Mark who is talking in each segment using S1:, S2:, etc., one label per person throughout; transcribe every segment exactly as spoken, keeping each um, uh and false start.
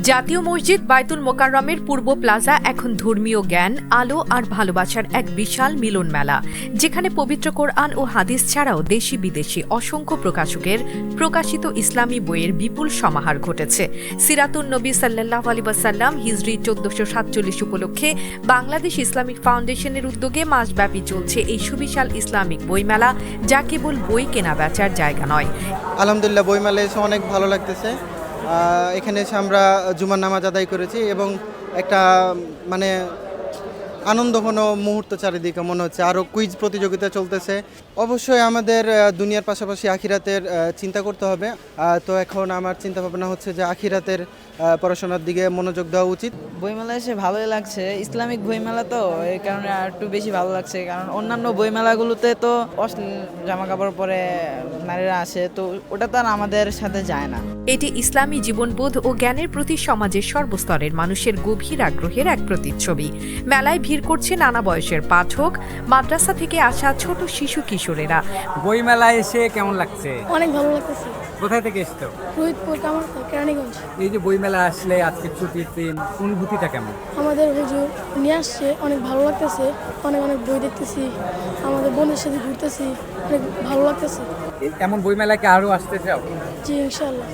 S1: জাতীয় মসজিদ বায়তুল মোকাররমের পূর্ব প্লাজা এখন ধর্মীয় জ্ঞান, আলো আর ভালোবাসার এক বিশাল মিলন মেলা, যেখানে পবিত্র কোরআন ও হাদিস ছাড়াও দেশি বিদেশি অসংখ্য প্রকাশকের প্রকাশিত ইসলামী বইয়ের বিপুল সমাহার ঘটেছে। সিরাতুন নবী সাল্লাল্লাহু আলাইহি ওয়াসাল্লাম হিজরি চোদ্দশো সাতচল্লিশ উপলক্ষে বাংলাদেশ ইসলামিক ফাউন্ডেশনের উদ্যোগে মাসব্যাপী চলছে এই সুবিশাল ইসলামিক বইমেলা, যা কেবল বই কেনা বেচার জায়গা নয়।
S2: আলহামদুলিল্লাহ, বইমেলা এসে অনেক ভালো লাগতেছে। এখানে এসে আমরা জুমার নামাজ আদায় করেছি এবং একটা মানে আনন্দঘন মুহূর্ত চারিদিকে মনে হচ্ছে। আরও কুইজ প্রতিযোগিতা চলতেছে। অবশ্যই আমাদের দুনিয়ার পাশাপাশি আখিরাতের চিন্তা করতে হবে। তো এখন আমার চিন্তা ভাবনা হচ্ছে যে আখিরাতের পড়াশোনার দিকে মনোযোগ দেওয়া উচিত।
S3: বইমেলা এসে ভালোই লাগছে, ইসলামিক বইমেলা তো এই কারণে আর একটু বেশি ভালো লাগছে। কারণ অন্যান্য বইমেলাগুলোতে তো অশ্লীল জামা কাপড় পরে নারীরা আসে, তো ওটা তো আর আমাদের সাথে যায় না।
S1: এটি ইসলামী জীবনবোধ ও জ্ঞানের প্রতি সমাজের সর্বস্তরের মানুষের গভীর আগ্রহের এক প্রতিচ্ছবি। মেলায় ভিড় করছে নানা বয়সের পাঠক, মাদ্রাসা থেকে আসা ছোট শিশু কিশোরেরা।
S4: বইমেলায় এসে কেমন লাগছে?
S5: অনেক ভালো লাগতেছে।
S4: কোথায় থেকে এসছো?
S5: রোহিতপুর, কামারখা, কেরানীগঞ্জ।
S4: এই যে বইমেলা আসলে আজকে ছুটির দিন, অনুভূতিটা কেমন?
S5: আমাদের হুজুর নিয়ে আসছে, অনেক ভালো লাগতেছে। অনেক অনেক বই দেখতেছি, আমাদের বোনের সাথে ঘুরতেছি, অনেক ভালো লাগতেছে।
S4: এমন বইমেলাকে আরো আসতে চাও?
S5: জি, ইনশাআল্লাহ।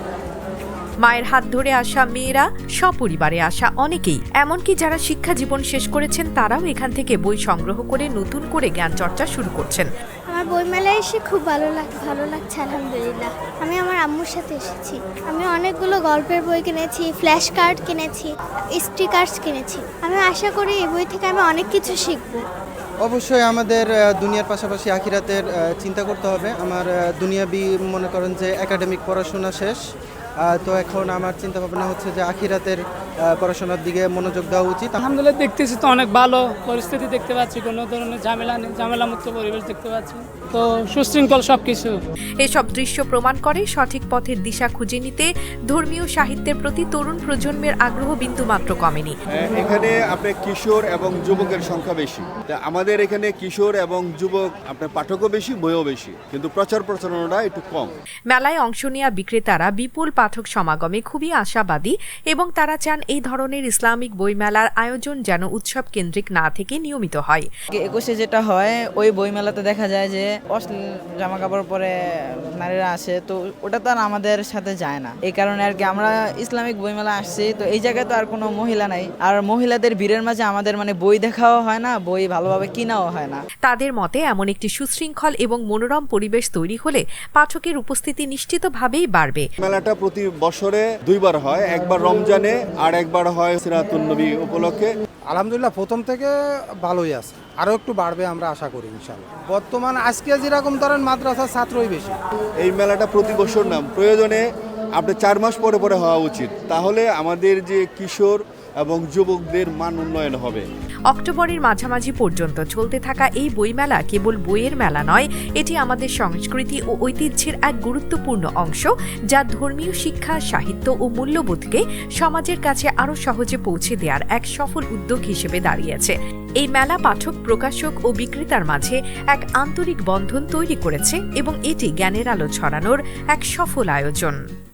S1: মায়ের হাত ধরে আসা মেয়েরা, সপরিবারে আসা অনেকেই, এমনকি যারা শিক্ষা জীবন শেষ করেছেন তারাও এখান থেকে বই সংগ্রহ করে নতুন করে জ্ঞান চর্চা শুরু করছেন।
S6: আমার বইমেলায় এসে খুব ভালো লাগ ভালো লাগছে আলহামদুলিল্লাহ। আমি আমার আম্মুর সাথে এসেছি। আমি অনেকগুলো গল্পের বই কিনেছি, ফ্ল্যাশ কার্ড কিনেছি, স্টিকার্স কিনেছি। আমি আশা করি এই বই থেকে আমি অনেক কিছু শিখবো।
S2: অবশ্যই আমাদের দুনিয়ার পাশাপাশি আখিরাতের চিন্তা করতে হবে। আমার দুনিয়াবি মনে করেন যে একাডেমিক পড়াশোনা শেষ, তো এখন আমার চিন্তা ভাবনা হচ্ছে যে আখিরাতের পড়াশোনার দিকে মনোযোগ দেওয়া উচিত।
S7: আলহামদুলিল্লাহ, দেখতেছি তো অনেক ভালো পরিস্থিতি দেখতে পাচ্ছি, কোনো ধরনের ঝামেলা নেই, ঝামেলা মুক্ত পরিবেশ দেখতে পাচ্ছি, তো সুশৃঙ্খল সবকিছু।
S1: এসব দৃশ্য প্রমাণ করে সঠিক পথের দিশা খুঁজে নিতে ধর্মীয় সাহিত্যের প্রতি তরুণ প্রজন্মের আগ্রহ বিন্দুমাত্র কমেনি।
S8: এখানে আপনার কিশোর এবং যুবকের সংখ্যা বেশি। আমাদের এখানে কিশোর এবং যুবক আপনার পাঠকও বেশি, বইও বেশি, কিন্তু প্রচার প্রচারণাটা একটু কম।
S1: মেলায় অংশ নেওয়া বিক্রেতারা বিপুল পাঠক সমাগমে খুবই আশাবাদী এবং তারা চান এই ধরনের ইসলামিক বইমেলার আয়োজন যেন উৎসব কেন্দ্রিক না থেকে নিয়মিত হয়।
S3: একুশে যেটা হয়, ওই বইমেলাতে দেখা যায় যে অশ্লীল জামা কাপড় পরে নারীরা আসে, তো ওটা তো আর আমাদের সাথে যায় না। এই কারণে আর কি আমরা ইসলামিক বইমেলা আসছি। তো এই জায়গায় তো আর কোনো মহিলা নাই, আর মহিলাদের ভিড়ের মাঝে আমাদের মানে বই দেখাও হয় না, বই ভালোভাবে কিনাও হয় না।
S1: তাদের মতে এমন একটি সুশৃঙ্খল এবং মনোরম পরিবেশ তৈরি হলে পাঠকের উপস্থিতি নিশ্চিতভাবেই বাড়বে।
S8: মেলাটা প্রতি বছরে দুইবার হয়, একবার রমজানে আর একবার হয় সিরাতুন নবী উপলক্ষে।
S9: আলহামদুলিল্লাহ, প্রথম থেকে ভালোই আছে, আরও একটু বাড়বে আমরা আশা করি ইনশাআল্লাহ। বর্তমান আজকে যেরকম ধরেন মাদ্রাসার ছাত্রই বেশি।
S8: এই মেলাটা প্রতি বছর না, প্রয়োজনে আপনার চার মাস পরে পরে হওয়া উচিত, তাহলে আমাদের যে কিশোর এবং যুবকদের মান উন্নয়ন হবে।
S1: অক্টোবরের মাঝামাঝি পর্যন্ত চলতে থাকা এই বইমেলা কেবল বইয়ের মেলা নয়, এটি আমাদের সংস্কৃতি ও ঐতিহ্যের এক গুরুত্বপূর্ণ অংশ, যা ধর্মীয় শিক্ষা, সাহিত্য ও মূল্যবোধকে সমাজের কাছে আরও সহজে পৌঁছে দেওয়ার এক সফল উদ্যোগ হিসেবে দাঁড়িয়েছে। এই মেলা পাঠক, প্রকাশক ও বিক্রেতার মাঝে এক আন্তরিক বন্ধন তৈরি করেছে এবং এটি জ্ঞানের আলো ছড়ানোর এক সফল আয়োজন।